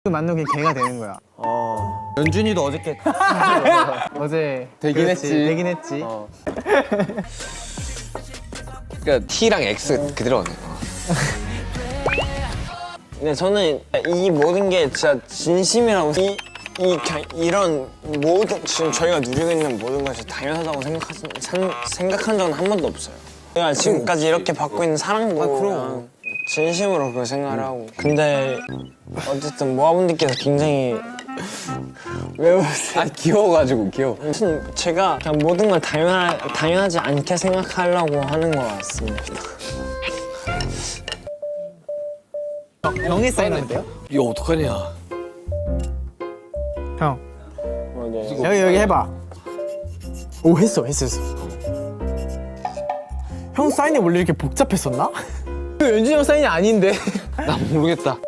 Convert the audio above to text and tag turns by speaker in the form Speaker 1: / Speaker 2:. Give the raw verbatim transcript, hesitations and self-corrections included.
Speaker 1: 만나면 걔가 되는 거야.
Speaker 2: 어. 연준이도 어저께
Speaker 1: 어제
Speaker 2: 되긴
Speaker 1: 그렇지,
Speaker 2: 했지.
Speaker 1: 되긴 했지.
Speaker 2: 어.
Speaker 3: 그러니까 T랑 X 그대로네.
Speaker 4: 근데 저는 이 모든 게 진짜 진심이라고 이, 이 그냥 이런 모든 지금 저희가 누리고 있는 모든 것이 당연하다고 생각하, 산, 생각한 적은 한 번도 없어요. 제가 지금까지 이렇게 받고 있는 사랑도
Speaker 2: 아, 그럼.
Speaker 4: 그냥 진심으로 그걸 생각을 하고 근데 어쨌든 모아분들께서 굉장히 왜 웃으세요?
Speaker 3: 아 귀여워가지고 귀여워.
Speaker 4: 아무튼 제가 그냥 모든 걸 당연하, 당연하지 않게 생각하려고 하는 것 같습니다.
Speaker 1: 영에 사인하면 돼요?
Speaker 3: 이거 어떡하냐.
Speaker 1: 형
Speaker 4: 어,
Speaker 1: 여기 여기 해봐. 오 했어 했어 했어. 형 사인이 원래 이렇게 복잡했었나? 그 연준이 형 사인이 아닌데.
Speaker 3: 나 모르겠다.